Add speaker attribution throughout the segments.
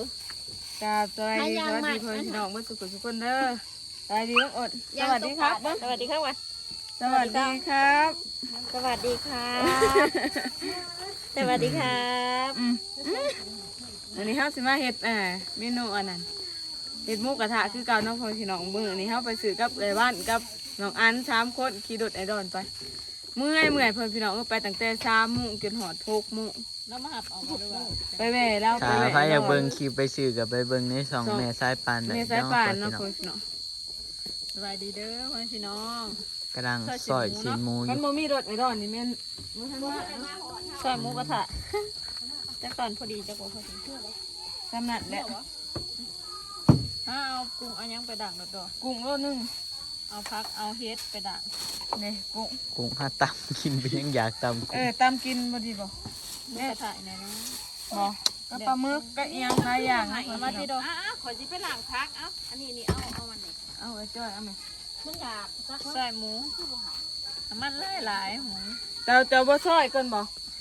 Speaker 1: สวัสดีเพื่อนพี่น้องเมื่อสุขทุกคนเด้อสวัสดีน้องอดสวัสดีครับสวัสดีครับวันสวัสดีครับ
Speaker 2: สวัสดีครับสวัสดีครับ
Speaker 1: อันนี้เฮาสิมาเฮ็ดเมนูอันนั้นเฮ็ดหมูกระทะคือเก่าน้องพ่อพี่น้องมื้อนี้เฮาไปซื้อกับไอ้บ้านกับน้องอัน3คนขี่รถไอดอนไปเมื่อยเพิ่นพี่น้องไปตั้งแต่3 โมงจนฮอด6 โมง
Speaker 2: แล้วมาหับออกมาด้วย
Speaker 1: ไปแม่แล้วไปแม่
Speaker 3: ถ้าอยากเบิ่งคลิปไปซื้อกับไปเบิ่งใน2แม่สายปานได้
Speaker 1: แม่สายป่านเนาะ
Speaker 3: พี่
Speaker 1: พ่อพี่น้อง
Speaker 2: สวัสดีเด้อพ่อพี่น้อง
Speaker 3: กำลังซอยชิ้นหมูอ
Speaker 1: มัน
Speaker 3: ยู่
Speaker 1: บ่มีรถไอดอนนี่แม่นบ่ทันว่า
Speaker 2: ซอยหมูกระทะจักตอนพอดีจักว่าพอดี
Speaker 1: สำนักแหละ
Speaker 2: เอากุ้งเอายังไปดักแล้วก็
Speaker 1: กุ้งโลนึง
Speaker 2: เอาพักเอาเฮ็ดไปดัก
Speaker 1: นี่กุ้ง
Speaker 3: กุ้งหาตำกินไปยังอยากตำกุ้ง
Speaker 1: ตำกินบ่ดีบ่
Speaker 2: หมูกระทะเนี่ยนะ
Speaker 1: บ่ก็ปลาหมึกก็เอียงหลายอย่าง
Speaker 2: เอามาที่ดอกขอจิไปล้างพักอันนี้เอามันนี่
Speaker 1: เอาไว้จ้อยเอาไหม
Speaker 2: มันอยากซอยหมูน้ำมันหลายหมู
Speaker 1: เจ้าบ่ซอยก่อนบ่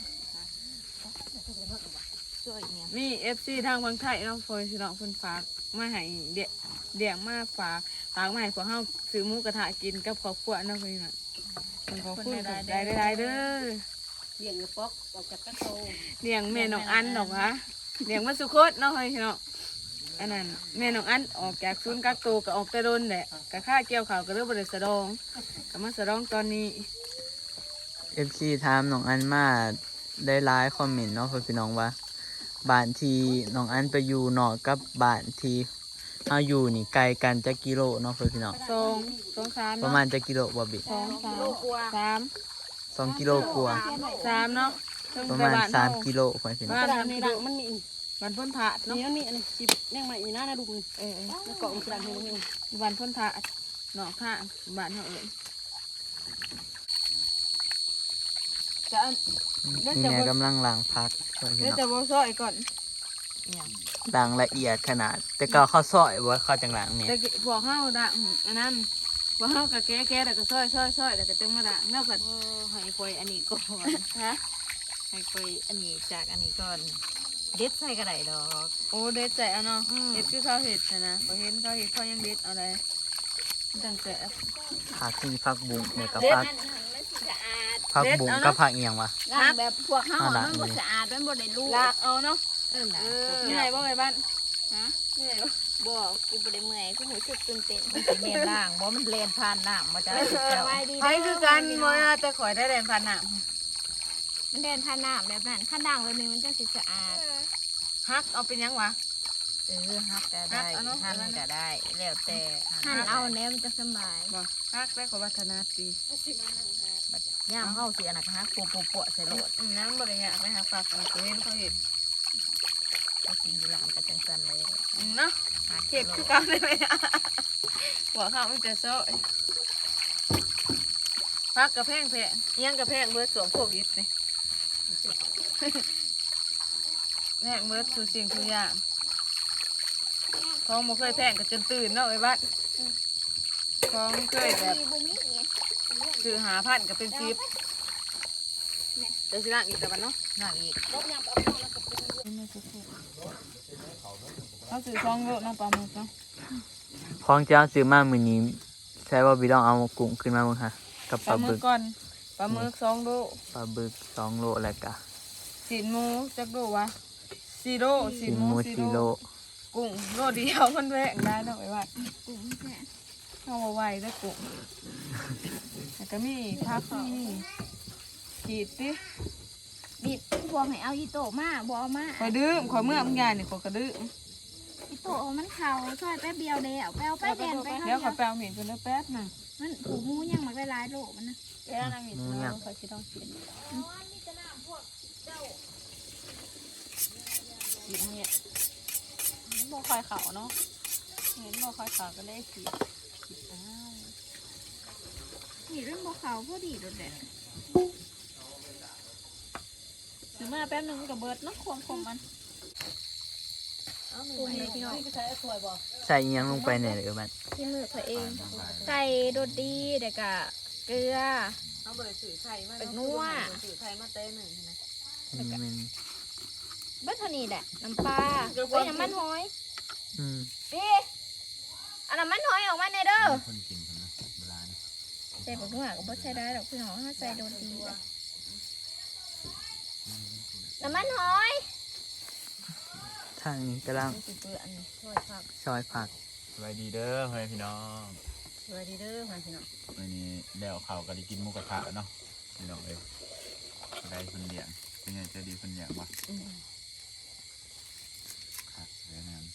Speaker 2: ซอยเนี่ย
Speaker 1: มี FC ทางฝั่งไทยเนาะเพิ่นสิน้องเพิ่นฝากมาให้เดี่ยงมาฝากมาให้พวกเฮาซื้อหมูกระทะกินกับครอบครัวเนาะเพิ่นน่ะเพิ่นขอบคุณได้เด้อ
Speaker 2: เลี้ยงกระป๋อกออกจากกระโต
Speaker 1: เลี้ยงแม่น้องอันดอกฮะเลี้ยงมาสุโคตเนาะเฮ้ยเนาะอันนั้นแม่น้องอันออกจากศูนย์กักตัวก็ออกแต่โดนแหละก็ค่าเกี่ยวข้าวก็เริ่มบ่ได้สะดองก็มาสะดองตอนนี้
Speaker 3: FC ถามน้องอันมาได้หลายคอมเมนต์เนาะพี่น้องว่าบ้านที่น้องอันไปอยู่นอกกับบ้านที่เฮาอยู่นี่ไกลกันจักกิโลเนาะพี่น้อง
Speaker 1: 2 3
Speaker 3: ประมาณจักกิโลบ่บิ 2กิโลกว่า
Speaker 1: 3เนาะ
Speaker 3: ประมาณ3กิโลพี่น้อง
Speaker 1: บ้าน
Speaker 2: ดังนี่ดังมันมี
Speaker 1: บ้านพ้นพระเนาะ
Speaker 2: นี่มันมีอันนี้จิบเนี่ยมาอีน่านะดูมันแล้วเกาะมันดังให้มัน
Speaker 1: บ้านพ้นพระเนาะค่ะบ้านเฮาเอิ้นจะอัน
Speaker 3: นี่แม่กำลังล้างผักพี่
Speaker 1: เดี๋ยว
Speaker 3: น้อง
Speaker 1: จะบ่ซอยก่อน
Speaker 3: ล้างละเอียดขนาด แต่ก็ข้าวซอยบ่ข้าวจังล้างเนี่ย
Speaker 1: แต่พวกเฮาดะอันนั้นพวกเฮาก็แก้แล้วก็ซอยแล้วก็จึงมาดะเนาะผัด
Speaker 2: ให้คอยอันนี้ก่อน
Speaker 1: ฮะ
Speaker 2: ให้คอยอันนี้จากอันนี้ก่อนเด็ดใส่กระไดดอก
Speaker 1: โอ้เด็ดใจเอาเนาะเห็ดคือเขาเห็ดนะพอเห็นเขาเห็ดเขายังเด็ดเอาเลยตั้งแต่
Speaker 3: ผักที่ผักบุ้งเนี่ยกับ
Speaker 1: เด็ด
Speaker 3: ผักบุ้งกับผักเอียงวะ
Speaker 2: ล้างแบบพวกเฮามันบ่สะอาดมันบ่ได้รู้
Speaker 1: ลากเอาเนาะ เหนื่อยบ่ไงบ้าน
Speaker 2: ฮะ
Speaker 1: เหนื่อยบ่
Speaker 2: บ่กูบ่ได้เมื่อยกูหูสึกตื่นเต้นมันแม่นล้างบ่มันเลนผ่านน้ำมาจ้ะ
Speaker 1: ไผคือกันบ่นะแต่ข่อยได้แรงพันน่ะ
Speaker 2: มันเดินผ่านน้ำแบบนั้นข้างด่างเลยนึงมันจะสะอาด
Speaker 1: ฮักเอาเป็นยังวะ
Speaker 2: ฮักก็ได้
Speaker 1: ฮักเอาเนอะ
Speaker 2: หั่นก็ได้แล้วแต่หั่นเอาแนวมันจะสบาย
Speaker 1: บ่ฮักได้ขอวัฒนาตี
Speaker 2: ย่ามเฮาสิอันนั้นฮักปัวๆใส่โลด
Speaker 1: น้ำบ่ได้ยากไปหาฝากเอาไปเห็นเขาเห็ด
Speaker 2: ก็กินอยู่ร้านก็จังซั่นเลย
Speaker 1: เนาะเห็ดคือกันได้ไหมหัวข้าวมันจะซอยพักกระแพงเอียงกระแพงเบิดสวมโควิดนี่แพงเบิดทุกสิ่งทุกอย่างของบ่เคยแพงก็จนตื่นเนาะไอ้บ้านของเคยแบบซื้อ5,000ก็เป็น10เดี๋ยวสิล้างอีกแต่บัดเนาะ
Speaker 2: นั่งอีก
Speaker 1: เขาซื้อ2 โลเนาะปลาหมึกเนาะ
Speaker 3: ของเจ้าซื้อมามื้อนี้ใช่ว่าพี่ต้องเอากุ้งขึ้นมาเบิ่งค่ะกับ
Speaker 1: ป
Speaker 3: ป
Speaker 1: ลา
Speaker 3: ลา
Speaker 1: หมึ
Speaker 3: บึ
Speaker 1: ก
Speaker 3: ก
Speaker 1: ก่อนปลาหมึก2 โล
Speaker 3: ปลาบึก2โลแล้วก็
Speaker 1: สีนหมูจักโลวะ4 โลสี
Speaker 3: ชิ้
Speaker 1: น
Speaker 3: น
Speaker 1: ห
Speaker 3: ห
Speaker 1: มู
Speaker 3: มู
Speaker 1: 4
Speaker 3: 4
Speaker 1: โล
Speaker 3: โล
Speaker 1: กุ้งโลเดียวมันแพงได้เนาะไอ้บ้าน
Speaker 2: กุ้งแค่
Speaker 1: เอามาไว้ได้กุ้งแล้วก็มีผักมีขีดติ
Speaker 2: บิดพวกให้เอาอีโตมาบ่เอามา
Speaker 1: ข่อยดื้อข่อยเมื่อมึงยายนี่ข่อยก็ดื้อ
Speaker 2: อีโตมันเข่าซอยแป๊บเดียวเดียวแป๊บไปแดนไป
Speaker 1: เดี๋ยวข่อยไปเอาเห็นเพิ่นแล้วแป๊บนึง
Speaker 2: มันผูกงูยังมันไปหลายโลมันนะ
Speaker 1: เดี๋ยวนั่งอยู่เนาะข่อยสิต้องกินกินเนี่ยบ่ค่อยเข้าเนาะเห็นบ่ค่อยเข้าก็เลยสิอ้าว
Speaker 2: นี่เรื่องบ่เขาพอดีโดดเด่น
Speaker 1: ซื้อมาแป๊บนึงก็เบิดเนาะความคมมัน
Speaker 2: ปรุงเลยพี่น้อง
Speaker 3: ใส่เอียงลงไปแหน่เด้อบัด
Speaker 2: ที่มือตัวเองใส่โดดดีเด็กะเกลือ
Speaker 1: เอาบ่ได้ซื้อไข่มา
Speaker 2: เป็นนัว
Speaker 1: ซื้อไข่มาเต้หนึ่งนะ
Speaker 3: มัน
Speaker 2: เบิดเท่านี้แหละน้ำปลาเฮ้ยน้ำมันหอย
Speaker 3: อืม
Speaker 2: พี่เอาน้ำมันหอยออกมาในเด้อ
Speaker 4: คนกินคนนะโบราณ
Speaker 2: ใส่ผักหัวก็บ่ใส่ได้ดอกพี่น้องถ้าใส่โดนดีอะน้ำมันหอย
Speaker 3: ทางนี้กำลัง
Speaker 2: สิเปื้อนช่วยผัก
Speaker 3: ซอยผัก
Speaker 4: สวัสดีเด้อเฮ้ยพี่น้อง
Speaker 2: สวัสดีเด้อพี่น้อง
Speaker 4: วันนี้แล้วเขาก็ได้กินหมูกระทะเนาะพี่น้องเอ้ยได้คนเลี้ยงเป็นไงจะดีคนเลี้ยงวะครับเรื่องนั้น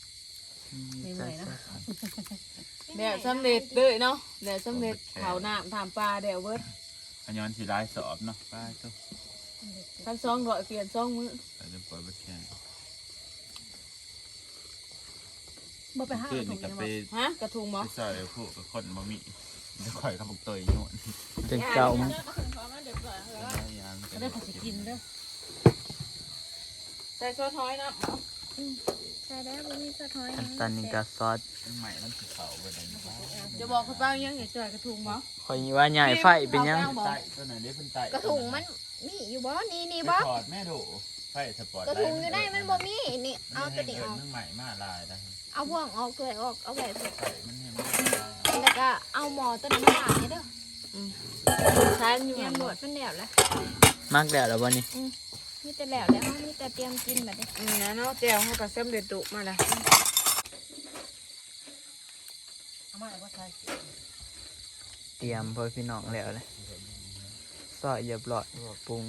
Speaker 1: เดี๋ยวสำเร็จเลยเนาะเดี๋ยวสำเร็จเผาน้ำทำปลาเดี๋ยวเบิด
Speaker 4: อันย้อนสีลายสอบเนาะป้าเจ้า
Speaker 1: กันซองร้อยเปลี่ยนซองมื้อ
Speaker 4: แต่จะปล่อยบัดแข่ง
Speaker 2: บ่ไปหา
Speaker 4: ขึ้นนี่ก็ไป
Speaker 1: ฮะกระทุงบ่
Speaker 4: ไปซอยพวกกับคนบะหมี่จะข่อยกับพวกเตยโน่น
Speaker 3: เป็นเก่ามั้ง
Speaker 4: ยัง
Speaker 2: ก็ได้ขอสิกินเด้อ
Speaker 1: ใส่ซอสท้อยนะ
Speaker 2: ใช่แล้วบ่มีสะท้อย
Speaker 3: อันตอนนี้ก็ซอส
Speaker 4: ใหม่มันสีขาวไปไหนนะ
Speaker 1: จะบอกเขาเป้ายังอย่าจ่อยกระทุงบ่
Speaker 3: คอยว่าใหญ่ไฟเป็นยัง
Speaker 4: ไต่ตัวไหนได้เพิ่นไต่
Speaker 2: กระถุงมันมีอยู่บ่นี่
Speaker 4: ไป
Speaker 2: บ่
Speaker 4: ถอดแม่ดูไฟสปอร์ต
Speaker 2: กระถุงอยู่ได้มันบ่มีนี่เอาตัวนี้ออก
Speaker 4: มันใหม่มาลายได้
Speaker 2: เอาบ่วงออกเลยออกเอาไว้
Speaker 4: ไต่มันเนี่ยมัน
Speaker 2: แล้วก็เอาหมอตัวนั้นมาล้างนี่เด้อ
Speaker 1: ใช้อยู่
Speaker 2: เตรีย
Speaker 1: หั
Speaker 2: ม
Speaker 1: น
Speaker 2: หน
Speaker 1: บ่
Speaker 2: วดมันแล้วแหละ
Speaker 3: มักแล้วเหรอวันนี้
Speaker 2: มีแต่แล้วเฮามีแต่เตรียมกินบัดนี้
Speaker 1: นะเนาะแจ่วเขาก็สำเร็จดุมาแล้ว
Speaker 3: เตรียมเพื่อพี่น้องแล้วเลยซอยเรียบร้อยปรุง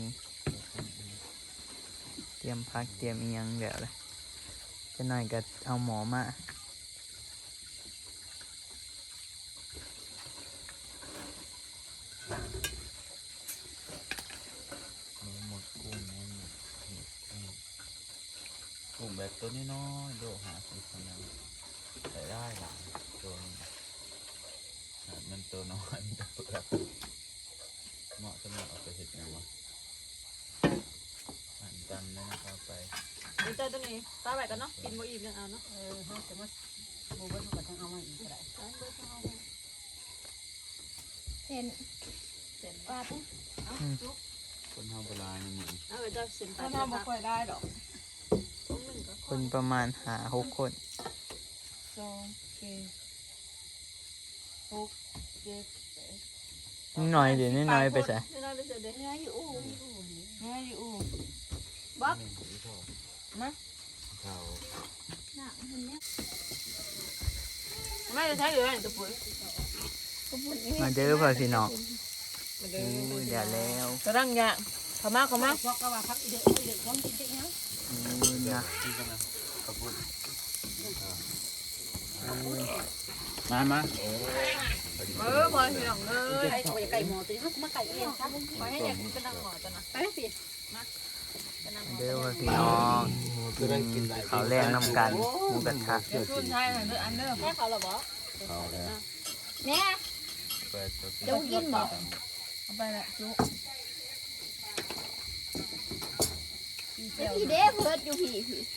Speaker 3: เตรียมพักเตรียมอีหยังแล้วเลยจะหน่อยก็เอาหมอมา
Speaker 4: หมดกุ้งกุ้งแบบตัวน้อยๆโลหะสีขาวใส่ได้หลายตัวมันตัวน้อยมันจะเปลือกเหมาะสำหรับเอาไปเห็ดนะวะหั่นจำเลยนะครับไป
Speaker 1: เดี๋ยวเจอตัวนี้ตาไว้กันเนาะกินบ่อิ่มยังเอาเนาะ
Speaker 2: เส้นปลาปุ๊บ
Speaker 4: คนเฮาโบราณนี่
Speaker 1: เอาไปเจ้าสินถ้าทำบ่ค่อยได้ดอก
Speaker 3: คนประมาณ5-6 คน
Speaker 1: 2 4 6 7
Speaker 3: นิดหน่อยเดี๋ยวนิดหน่อยไปใส่
Speaker 1: น้อยไปใส่เด้อ
Speaker 2: เนื้ออยู่อู่
Speaker 1: น้อยอยู่อู่
Speaker 2: บ๊อบ
Speaker 1: มา
Speaker 4: เขา
Speaker 2: น่ะเห็นแล้ว
Speaker 1: ไม่จะใช้อยู่ไหนตัวปุ๋ย
Speaker 2: กระปุกนี่
Speaker 3: มาเด้อพ่อพี่น้อง
Speaker 1: มาเด้อ
Speaker 3: เดี๋ยวแล้ว
Speaker 1: กระดังยางขมาขมา
Speaker 3: นะ
Speaker 4: ที่กันนะขอบคุณมา
Speaker 1: พอพี่น้องเลย
Speaker 2: ไก่หมอตัวนี้มาไก่เองครับขอให้อยากกระดังหมอตัวน่ะไปสิ
Speaker 3: เด้อพ่อพี่น้องกินข้าวแรงน้ำกันหมูกระทะ
Speaker 1: รุ่นไทยหันเด้ออันเด้อ
Speaker 2: แม่เขาเหรอบ่
Speaker 4: เขาแล้ว
Speaker 2: แม่
Speaker 4: เปิดตัว
Speaker 2: เดี๋ยวกินบ่
Speaker 1: เอาไปละจุ
Speaker 2: พี่เด้เพิดอยู่พี่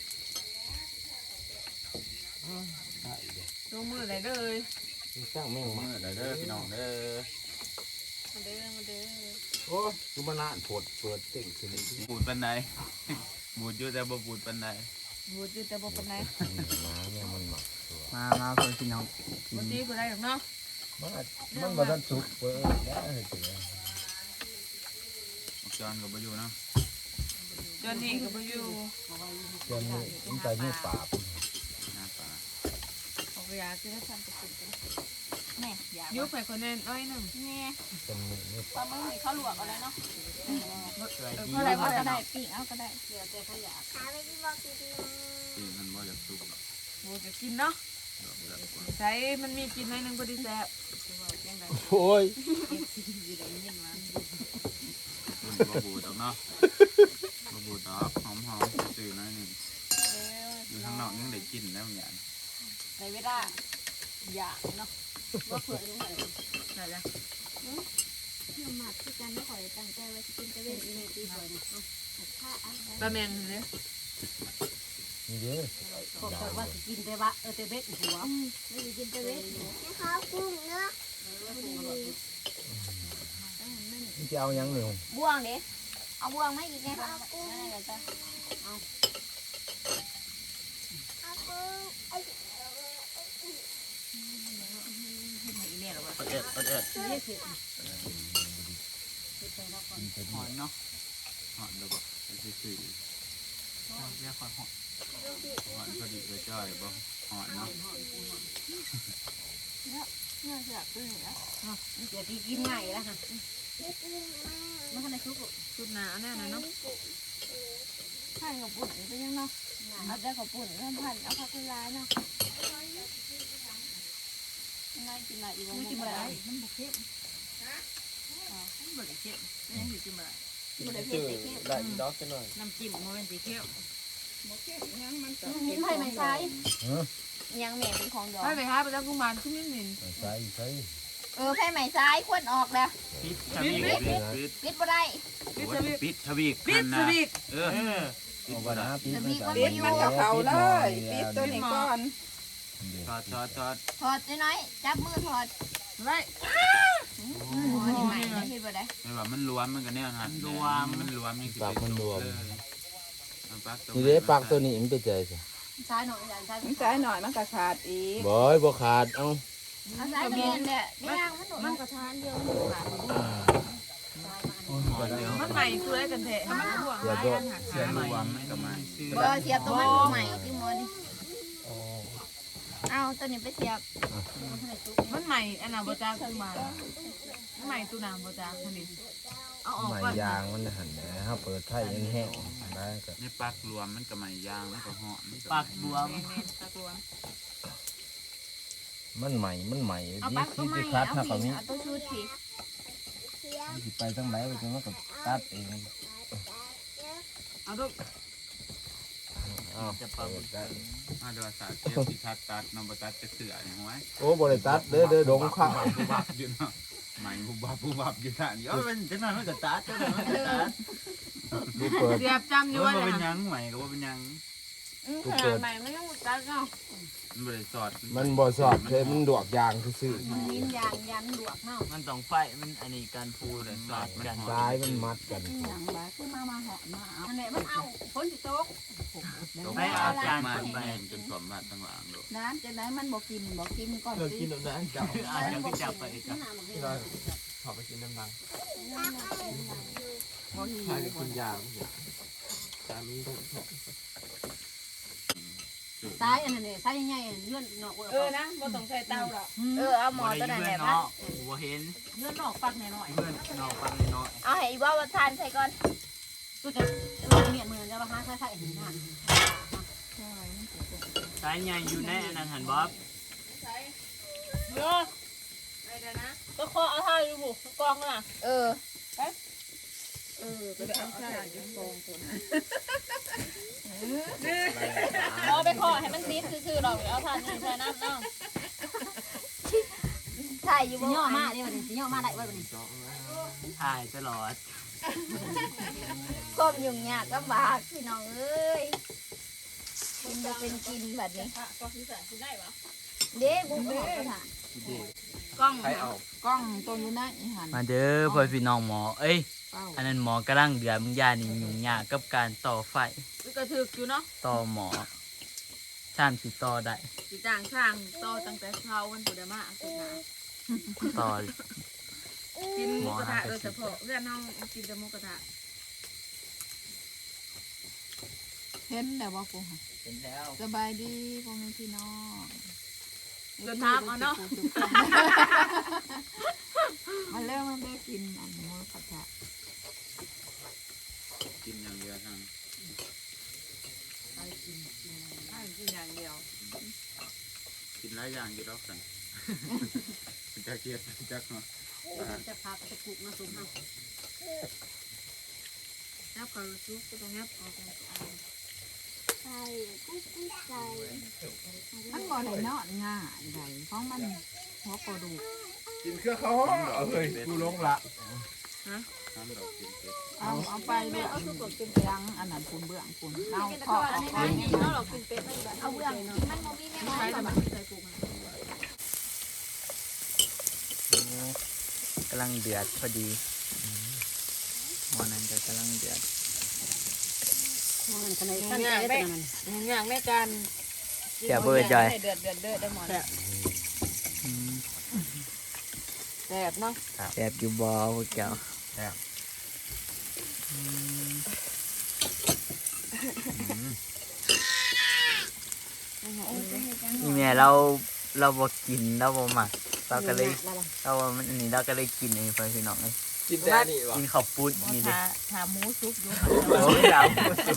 Speaker 1: ลงมือไหนเลย
Speaker 4: สร้างแม่งมาเด้อพี่น้องเด้อ
Speaker 1: มาเด้อมาเด้อ
Speaker 5: โอ้คือมันน่านโผดเปิดเต่งขึ้นนี่
Speaker 4: บูดปันไหนบูดอยู่แต่บ่บูดปันไหน
Speaker 1: บูดอยู่แต่บ่เป็นไร
Speaker 5: น้ำเนี่ยมันหมัก
Speaker 3: มาพ่อพี่น้องกิ
Speaker 1: บ่
Speaker 3: น
Speaker 1: ตีบ่ได้หรอกเนาะ
Speaker 5: มันมาทันสุกเปิดได้เลย
Speaker 4: จอนก็บ่อยู่เนาะ
Speaker 1: จนนี้ก็บ่อยู่
Speaker 5: จนมันใจไม่ปราบ
Speaker 4: หน้าปลา
Speaker 1: เอาไปยาคือถ้าทำตะกุ่นกัน
Speaker 2: แม่อยาก
Speaker 1: ยุบไปคนนั้นอ้อยหนึ่ง
Speaker 2: แม่
Speaker 5: จนไม่
Speaker 2: ปลาหมึกนี่เขาลวกเอาเลยเนาะ
Speaker 1: เท่าไร
Speaker 2: เอา
Speaker 1: ว่า
Speaker 2: ก็
Speaker 1: จะ
Speaker 2: ได้
Speaker 1: ได้
Speaker 2: ปิ้งเอาก็ได้
Speaker 4: ตีมันบ่อยากสุกหรอก
Speaker 1: บูดจะกินเนาะ
Speaker 4: ดอกแบบว่า
Speaker 1: ใช้มันมีกินหน่อยหนึงพอดีแซ่บ
Speaker 5: โอ้ย
Speaker 4: คุณบ่บูดดอกเนาะบ่บูดดอกหอมๆตื่นหน่อยหนึงอยู่ข้างนอกยังได้กินแล้วอย่าง
Speaker 2: ในเวลาอยากเนาะว่าเผื่อลงมาเลย
Speaker 1: ไหนละ
Speaker 2: เพื่อมาที่กันไม่ขอตั้งใจว่าจะกินจะเว้นอีเมตีบ่อยนะถ้าอัน
Speaker 1: ปลาแมงเลย
Speaker 5: นี่เด้อ
Speaker 2: บอกว่าจะกินแต่ว่าแต่เบ็ดหัวไม่ได้กินแต่เบ็ดให้เขากุ้งเนาะ
Speaker 5: นี่จะเอายังหนึ่ง
Speaker 2: บ่วงเด้เอาบ่วงไหมอีกไงคะ
Speaker 3: หอนเนาะ
Speaker 4: หอนแล้วบ่ไอ้ซื่อ
Speaker 3: เรียกหอน
Speaker 4: หอนพอดีเลยจ้อยบ่หอนเนาะ
Speaker 2: เดี๋ยวพี่กินใหม่แล้วค่ะมันขนาดชุบ
Speaker 1: ชุดหนาแน่นะเนาะ
Speaker 2: ใช่กับปุ่นเป็นยังเนาะเอาแต่กับปุ่นเริ่มพันเอาผักร้ายเนาะไม่กินอะไรอีกไม่กินอะไรมันบุกเข้ม
Speaker 1: มันบ่ได้เค็มมันยังสิกินบ่ได้
Speaker 2: บุกได้เผ็ดเข้ม
Speaker 5: ได้ดอกจะหน่อย
Speaker 1: น้ำจิ้มบ่แม่นสิเค็ม
Speaker 2: มิ้นไผ่ไม่ใช่ยังแม่เป็นของดอก
Speaker 1: ไปไปหาไปแล้วกุมารขึ้นนิดหนึ่ง
Speaker 5: ใช่ใช่
Speaker 2: ไผ่ไม่ใช่ควรออกแล้ว
Speaker 4: ปิดทวีกปิด
Speaker 2: ปิดบ่ได้
Speaker 4: ปิดทวีก
Speaker 1: ปิดสวิก
Speaker 4: เออปิด
Speaker 5: เอา
Speaker 4: บ่
Speaker 5: วัน
Speaker 4: ได้
Speaker 5: นะปีมัน
Speaker 2: มันกับเขา
Speaker 5: เลยปีตัวนี้ก่อน
Speaker 4: ทอด
Speaker 2: ถอดน้อยจับมือถอด
Speaker 1: ไว้
Speaker 2: นี่ใหม่ไม่ปิดบ่ได้
Speaker 4: ไม่ว่ามันรวมมันก็แนวหันมันรวมนี่สิ
Speaker 5: นี่เด้ปากตัวนี้มันไปใจสิ
Speaker 2: ใช่หน่อยใช่
Speaker 6: มันใช้หน่อยมันก็ขาดอีก
Speaker 5: บ่อยบ่ขาดเอ้า
Speaker 2: ใช่เรียนเนี่ยย่างมันมันกระทานเดียวมันขาด
Speaker 4: หอนเดียว
Speaker 1: มันใหม่ตัวได้กันแท้ให้มันห่วง
Speaker 5: เสีย
Speaker 1: หลาย
Speaker 5: ตัว
Speaker 1: อันหัก
Speaker 4: เสียรวมมันก็มา
Speaker 2: บ่เสียบตัวมันใหม่ที่มอนี่เอาตัวนี้ไปเสียบ
Speaker 1: มันใหม่อันน่ะบ่จ้ากุมารมันใหม่ตัวน้ำบ่จ้าคนนี้เอาออก
Speaker 5: ใหม่
Speaker 1: ก่อน
Speaker 5: ยางมันหันนะฮะเปิดไข่ยังแห้งได้ก็
Speaker 4: ในปักรวมมันก็ไม่ยางมันก็หอน
Speaker 3: ปากบวม
Speaker 1: แม่นๆตะกวง
Speaker 5: มันใหม่
Speaker 2: เอา
Speaker 5: ดี
Speaker 2: ปักตั
Speaker 5: คิ
Speaker 2: ว
Speaker 5: ด
Speaker 2: ใหม่
Speaker 5: จะคัด
Speaker 2: เอา
Speaker 5: ถ้า
Speaker 2: ผี
Speaker 5: ก็มี
Speaker 2: เอาตัวชุดผี
Speaker 5: สิไปทั้งไหนมันก็ตัดเอง
Speaker 1: เอาลูก
Speaker 5: อ้าว
Speaker 3: จะเป่า
Speaker 5: เปิดได้
Speaker 4: มาดูสาเทียบที่ทัดตัดนำประตัดจะเสืออย่างไว้
Speaker 5: โอ้บ่ได้ตัดเด้อดงข้าว
Speaker 4: ผู้บับอยู่เนาะใหม่ผู้บับอยู่ท่านเย
Speaker 3: เอ
Speaker 4: อะ
Speaker 3: อมันจะนอนมันก็ตัดจะนอนมันก็ตัด
Speaker 5: ดูเปิด
Speaker 1: เสียบจำอยู่
Speaker 4: ว่า
Speaker 1: ว่า
Speaker 4: เป็น
Speaker 1: น่ะ
Speaker 4: ยังใหม่ก็ว่าเป็นยัง
Speaker 2: ขนาดใหม่ไม่ต้องตัดเนาะ
Speaker 4: มันบริสอด
Speaker 5: มันบ่สอบเลยมันดวกยางซื่อ
Speaker 2: มันลิ้นยางยันหลวกเนาะ
Speaker 3: มันต้องไฟมันอันนี้การพูดเลยสอดกัน
Speaker 5: ๆซ้ายมันมัดกัน
Speaker 6: อย่างไรขึ้นมาเหาะมาเอา
Speaker 2: อันไหนมันเอาฝนสิตก
Speaker 4: ต้องเอาจานมาที่แม่จนสมบัติต่างๆดู
Speaker 6: น้ำจะไหนมันบอกกินก่อน
Speaker 5: เรา
Speaker 6: สิ
Speaker 5: กินน้ำนั้นจับ
Speaker 3: อาจจะไปจับไปจ้ะ
Speaker 5: ขอไปกินน้ำนัง
Speaker 6: บ่หิว
Speaker 5: ถ้าจะกินยางจามีต้อง
Speaker 2: ซ้ายอันนั้นเนี่ยซ้ายใหญ่ๆเลื่อนเนาะ
Speaker 1: นะบ่ต้องใส่เตาหรอก
Speaker 2: เอาหมอตัวนั้นแหละพัด
Speaker 3: หัวเห็น
Speaker 1: เนื้อนอกปักหน่อย
Speaker 3: เพื่อนนอกฟังน้อย
Speaker 2: เอาให้อีว่าทานใส่ก่อนตัวจะเมียนมือจะมาหาใส่เห็นหน้า
Speaker 3: สายใหญ่อยู่ในอันนั้นหันบ๊อบ
Speaker 1: เนาะไปเดี๋ยวนะก็ขอเอาท่าอยู่บุกองน่ะ
Speaker 6: ไปเอาใส่กองคน
Speaker 2: เอาไปขอให้มันซีดคือๆดอกเอาทานนี่ใส่น้ำเนาะใช่อยู่บ่ย่อมาเดี๋ยวนี้สิย่อมาได้บ่นี้
Speaker 3: ถ่ายตลอด
Speaker 2: ก้มยุ่งยากลำบากพี่น้องเอ้ยกินจะเป็นกินแบบนี้เด้บุ้งบุ้งค่ะ
Speaker 1: กล้อง
Speaker 6: กล้องตัวอยู่ไหนหัน
Speaker 3: มาเด้อพ่อพี่น้องหมอเอ้ย
Speaker 6: เป้า
Speaker 3: อันนั้นหมอกำลังเดือดมึงยานี่ยุ่งยากกับการต่อไฟ
Speaker 1: กระถึกอยู่เนาะ
Speaker 3: ต่อหมอชามสิต่อได้
Speaker 1: สิจ้างช่างต่อตั้งแต่เช้าวันพุธมาสุดหนา
Speaker 3: ต่อ
Speaker 1: กินหมูกระทะโดยเฉพาะเพื่อนน้องกินแต่หมูกระทะ
Speaker 6: เห็นแต่ว่ากู
Speaker 3: เป็นแล้ว
Speaker 6: สบายดีพ่อแม่พี่น้อง
Speaker 1: เดินทางเอาเนาะ
Speaker 6: มาเริ่มมันได้กินอันนี้ผัดผัก
Speaker 4: กินอย่างเดียวทาง
Speaker 1: ให้กินอย่างเดียว
Speaker 4: กินหลายอย่างอยู่รอบสั่งจะเกียดจักเนาะ
Speaker 2: จะพาไปกุกมาสุกเนาะ
Speaker 1: แล้วก็ซุปก็ต้องยับออกกัน
Speaker 2: ใช่กุ้งใส่
Speaker 6: มันบ่ได้นอนง่ายใดเพราะมันหัวกระดูก
Speaker 5: กินเครื่องเขาเอ้ยกูลงละ
Speaker 4: น้ำดอกกินเป็ด
Speaker 6: เอาไปเลยเอาทุกตัวกินยังอันนั้นคุณเบื้องคุณเอา
Speaker 2: กิน
Speaker 6: ขอ
Speaker 2: อันนี้ไม่กินแล้วหรอกกินเป็ดเอาเบื้องมันโมบี้แม่ไม้
Speaker 1: ใช้
Speaker 2: แบบ
Speaker 1: แต่มันใส่กุ้ง
Speaker 3: กำลังเดือดพอดีหัวนั้นก็กำลังเดือด
Speaker 2: มันขนาด
Speaker 1: ตั้งใจได้อย่างในการ
Speaker 3: เสียเบอร์จอย
Speaker 2: เดือดได้หมด
Speaker 3: อืม
Speaker 1: แซ่บเนาะ
Speaker 3: แซ่บอยู่บ่พวกเจ้านี่แม่เราบ่กินเราบ่มักเราก็เลยเราว่ามันอันนี้เราก็เลยกินอันนี้ไปพี่น้องเลย
Speaker 5: กินแต่นี่วะ
Speaker 3: กินข้าวปุ้นนี่ดิ
Speaker 6: ทาหมูซุปอยู่
Speaker 3: โอ้ยดาว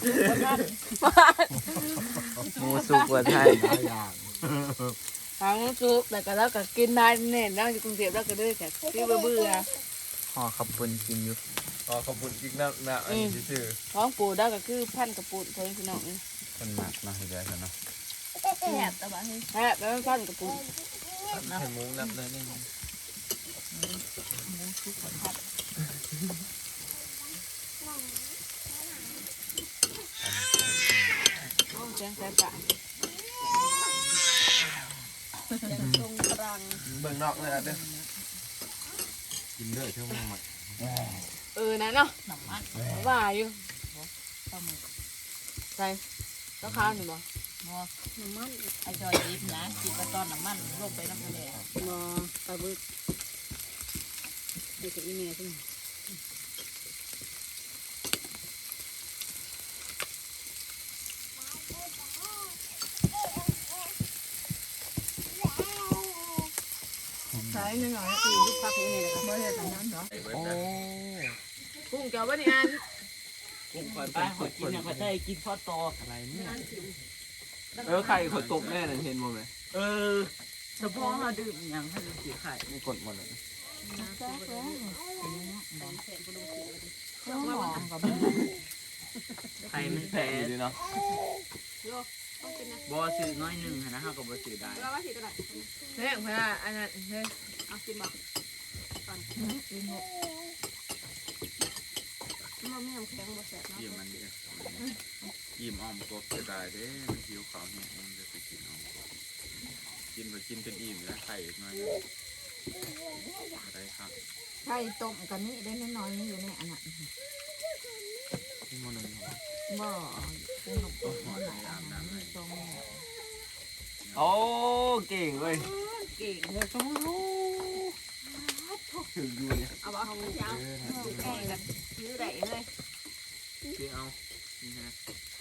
Speaker 3: หมูสุกว่าไทย
Speaker 5: อย่าง
Speaker 1: ทางซุปแล้วก็เราก็กินได้แน่นั่งอยู่กรุงเทพเราก็เลยแบบที่เบื่อ
Speaker 3: ห่อข้าวปุ้นกินอยู่
Speaker 5: อ๋อขอบคุณอีกนะอันนี้ชื่อ
Speaker 1: ท้องปูได้ก็คือพันกระปุนเพื่อนพี่น้องนี่
Speaker 4: คนหมักเนาะเห็นได้เนาะ
Speaker 2: แซ่บแต่ว่าเฮ้ย
Speaker 1: แซ่บแล้วพันกระปุน
Speaker 5: ให้หมูน้ำเลยนี่
Speaker 1: โอ้เสียงแซ่บจ้ะ
Speaker 2: ยังตรงกลาง
Speaker 5: เบิ่งนอกเลยอ่ะเด้อกินเด้อเท่าไหร่
Speaker 1: นะเนาะ
Speaker 6: น้ำมัน
Speaker 1: ว่าอยู่
Speaker 6: ปลาหมึก
Speaker 1: ใส่ต้องข้าวหนึ่งบ่
Speaker 6: บ่น้ำมันไอ้จอยดิบนะกินไปตอนน้ำมันลงไปน้ำทะเล
Speaker 1: บ่ปลาบึกเด็กกับอีเมียใช่ไหมใส่หนึ่งหน่อยตีลูกพักนี่เลยครับ
Speaker 6: บ่เฮ็ดอันนั้นเหรอ
Speaker 3: โอ้
Speaker 1: กุ้งเจ้าบ้านนี่อัน
Speaker 3: กินก่อนไปขอกินเนี่ยขอได้กินข้าวตอกอะไรเนี่ย
Speaker 5: ไข่ขดตกแน่เลยเห็นบ่ไหม
Speaker 3: เฉพาะเราดื่มอย่างให้ดูสีไข่
Speaker 5: ไม่กดหมดเลย
Speaker 6: เครื่องหอมกับ
Speaker 3: ไข่มันแพ้
Speaker 5: ดีเนาะ
Speaker 3: บอซื้อน้อยหนึ่งนะฮะกับบอซื้อได้
Speaker 1: เฮ้ยพนักอันนั้นเฮ้ยเอากินบ่
Speaker 4: ยิ้มมันดิยิ้มอ้อมกบจะได้เด้มันหิวข้าวเนี่ยมันจะไปกินอ้อมกบกินไปกินจนอิ่มแล้วไข่อีกหน่อยอะไรครับ
Speaker 6: ไข่ต้มกันนี่ได้น้อยๆนี่อยู่ในอันนั้น
Speaker 4: ที่โมนึงครับ
Speaker 6: บ่เป็นนกต้มมันหลายอันนั้นต้ม
Speaker 5: โอ้เก่งเว้ย
Speaker 1: เก่งเลยต้องรู้
Speaker 5: ถึงอยู่เนี่ย
Speaker 1: เอาบ่เอาเจ้าแก่กันซื้อได้เลย
Speaker 3: คือเอานี่ฮะ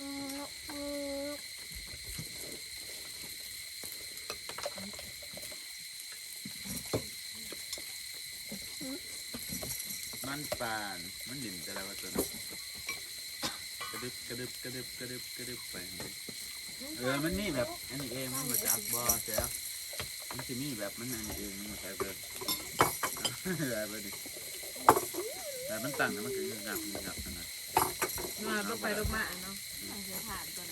Speaker 4: มันปานมันดิ่มแต่ละว่าตัวนั้นกระดึบกระดึบกระดึบกระดึบกระดึบไปมันนี่แบบอันนี้เองมันมาจากบ่อเสียมันจะมีแบบมันอันนี้เองมันใส่เบิร์ดอะไรไปดิแต่มันตั้งแล้วมันก็ยังงับขนาด
Speaker 1: มาลงไปลงมาเนาะ
Speaker 2: เดี๋ยวถามก่อนนะ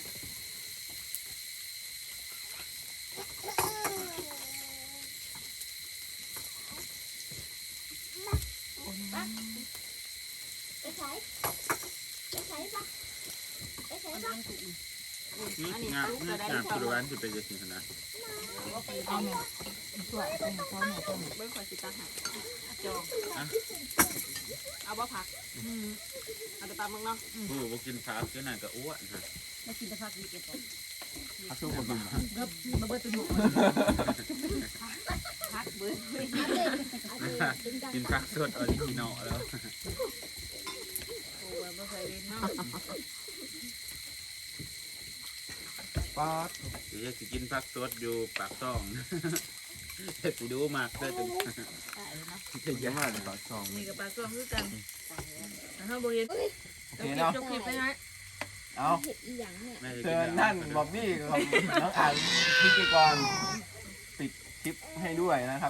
Speaker 4: งามสุดวันที่เป็นจะสิขนาด
Speaker 6: เอาเนี่ยช่วยเอาเนี่ยเขาเนี่ยต้ม
Speaker 1: เบิ้งขอสิตาหายจองเอาบ่ผักเอาไปตามมึงเนาะ
Speaker 4: ผู้บ่กินผักก็น่าก็อ้วนฮะ
Speaker 6: แล้วกินแต่ผักดีเก็บ
Speaker 5: อาสู้คนดู
Speaker 6: เริ่มมาเบิดตัวหนูผักเบิด
Speaker 4: กินผักสดออริจินอลแล้ว
Speaker 1: โอ้ยบ่เคยเล่นเนาะ
Speaker 5: ป๊าด
Speaker 4: เดี๋ยวจะกินผักสดอยู่ปากซ่องสิดูมากเด้อจน
Speaker 5: เก่งมากเลยปากซอง
Speaker 1: นี่กับปลาส้มคือกันถ้าบ่เห็น
Speaker 5: โอเคเนาะ
Speaker 1: จบคลิปไปไหม
Speaker 5: เอา
Speaker 2: เห็ดอีหยังเนี่ย
Speaker 4: น่าจะ
Speaker 5: เชิ
Speaker 4: กิน
Speaker 5: ญท่านบ๊อบบี้กับน้องอ่านพิธีกรปิดคลิปให้ด้วยนะครับ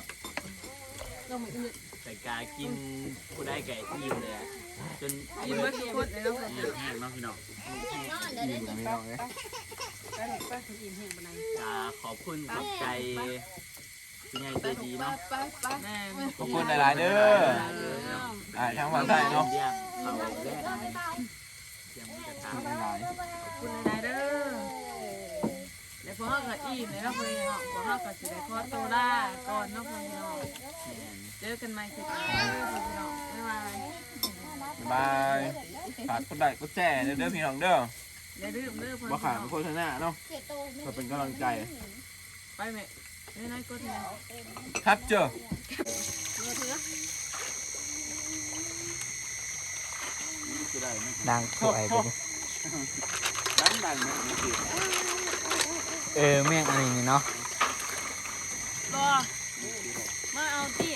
Speaker 3: แต่กากินผู้ได้ไก่อิ่มเลยอะจน
Speaker 1: ยิ้มเบิ้งทุกคนเลยเนาะ
Speaker 4: แห้งเนาะพี่น้อง
Speaker 5: อยู่ตรงนี้น้องเลย
Speaker 1: ไปหนูไปถึงอิ่มแห้งปานใด
Speaker 3: กาขอบคุณขอบใจเป็นไงใจดีเนาะ
Speaker 1: แม่
Speaker 5: ขอบคุณหลายๆเด้อทั้งวันไทยเนาะ
Speaker 3: เลี้ยงเขาแรกเสียงมันจะถาม
Speaker 5: หลาย
Speaker 1: ขอบคุณหลายๆเด้อแล้วพวกเราก็อิ่มเลยเนาะเพื่อนเนาะพวกเราก็สิได้ขอตัวลาก่อนเนาะเพื่อนเนาะเจอกันใหม่คลิปหน้าเด้อเพื่อนเนาะบ๊ายบาย
Speaker 5: บายฝากกดไลค์กดแชร์เด้อพี่น้องเด้อ
Speaker 1: อย่าลืมเด้อเพื่อน
Speaker 5: มาขา
Speaker 1: เนาะ
Speaker 5: โฆษณาเนาะเพื่อเป็นกำลังใจ
Speaker 1: ไปแม่ไม่น้อยก็เถอะ
Speaker 5: ครับเจอ
Speaker 1: เถือ
Speaker 3: ดังสวยไปดิ
Speaker 4: ดังเนี่ยมันติด
Speaker 3: แม่งอันนี้นี่เนาะ
Speaker 1: รอมาเอาที่